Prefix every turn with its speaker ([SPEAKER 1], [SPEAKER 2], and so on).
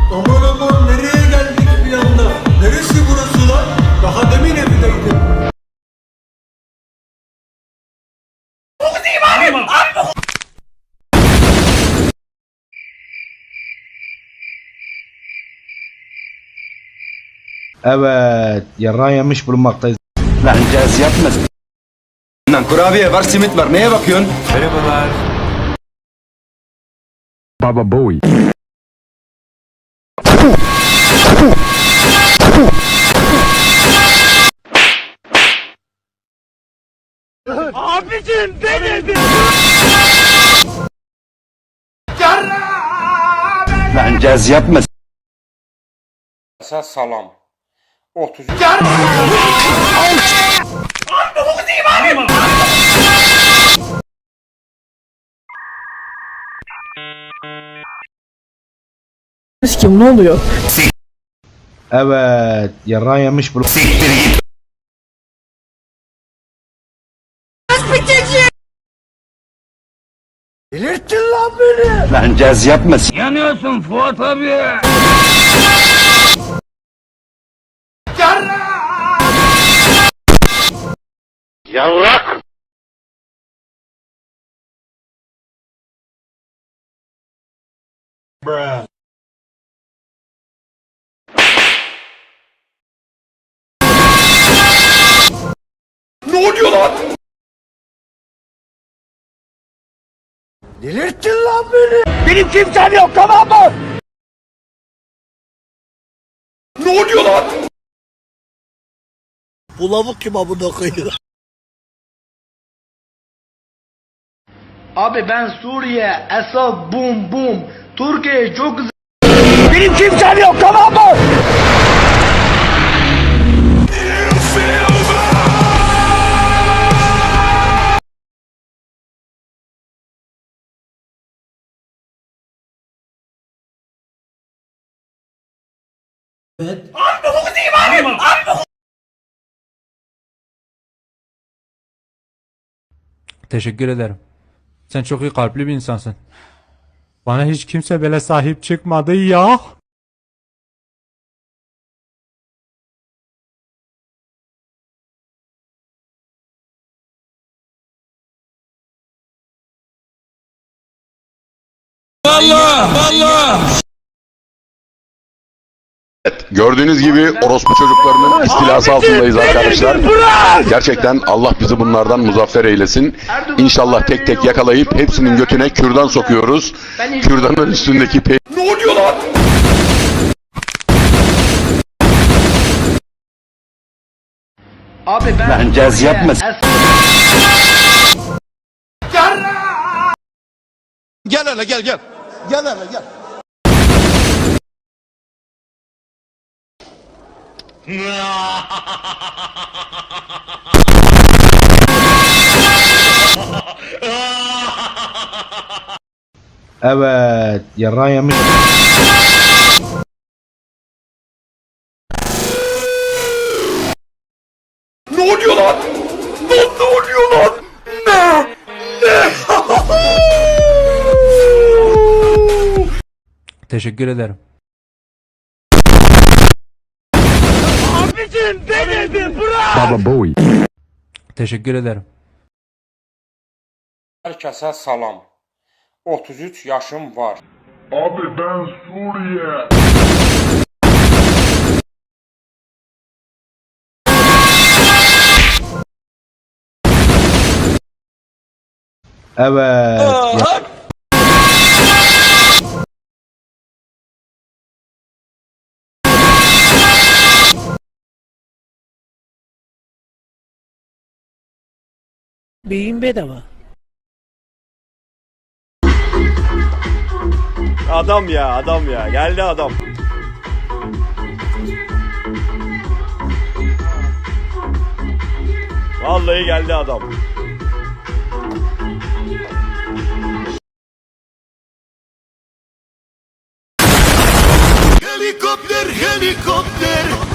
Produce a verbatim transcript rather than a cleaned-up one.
[SPEAKER 1] Aman aman nereye geldik bir anda? Neresi burası lan? Daha demin evdeydim.
[SPEAKER 2] Evet, yarrağı yemiş bulunmaktayız.
[SPEAKER 3] Lan caz yapma. Lan kurabiye var, simit var. Neye bakıyorsun?
[SPEAKER 4] Merhabalar.
[SPEAKER 2] Baba Bowie.
[SPEAKER 4] Abicim benim.
[SPEAKER 3] Lan caz yapma.
[SPEAKER 5] Salam. otuz üç.
[SPEAKER 6] Kim ne oluyor?
[SPEAKER 2] Evet, yarrağı yemiş bulunmaktayız.
[SPEAKER 4] Delirttin lan beni.
[SPEAKER 3] Lan caz yapma.
[SPEAKER 4] Yanıyorsun Fuat abi.
[SPEAKER 5] Yavrak.
[SPEAKER 3] Ne oluyor lan?
[SPEAKER 4] Delirttin lan beni. Benim kimsem yok, tamam mı?
[SPEAKER 3] Ne oluyor lan?
[SPEAKER 4] Bu lavuk kim amına koyuyor?
[SPEAKER 7] Abi ben Suriye, Esad, bum bum. Türkiye çok güzel.
[SPEAKER 4] Benim kimsem yok, tamam mı?
[SPEAKER 1] Evet.
[SPEAKER 8] Teşekkür ederim. Sen çok iyi kalpli bir insansın. Bana hiç kimse böyle sahip çıkmadı ya.
[SPEAKER 9] Gördüğünüz gibi orospu çocuklarının istilası altındayız arkadaşlar. Gerçekten Allah bizi bunlardan muzaffer eylesin. İnşallah tek tek yakalayıp hepsinin götüne kürdan sokuyoruz. Kürdanın üstündeki pe...
[SPEAKER 3] Ne oluyor lan?
[SPEAKER 7] Abi ben
[SPEAKER 3] Lan caz
[SPEAKER 7] Suriye,
[SPEAKER 3] yapma.
[SPEAKER 7] Esad.
[SPEAKER 3] Gel hele gel gel. Gel hele gel.
[SPEAKER 2] Evet, yarrağı yemiş.
[SPEAKER 3] Ne oluyor lan? Ne, ne oluyor lan? Ne? Ne?
[SPEAKER 8] Teşekkür ederim.
[SPEAKER 4] Abicim benim, bırak.
[SPEAKER 2] Baba Bowie.
[SPEAKER 8] Teşekkür ederim.
[SPEAKER 5] Herkese salam. otuz üç yaşım var.
[SPEAKER 9] Abi ben Suriye.
[SPEAKER 2] Evet. ya-
[SPEAKER 6] Beyin bedava.
[SPEAKER 4] Adam ya, adam ya. Geldi adam. Vallahi geldi adam.
[SPEAKER 3] Helikopter, helikopter.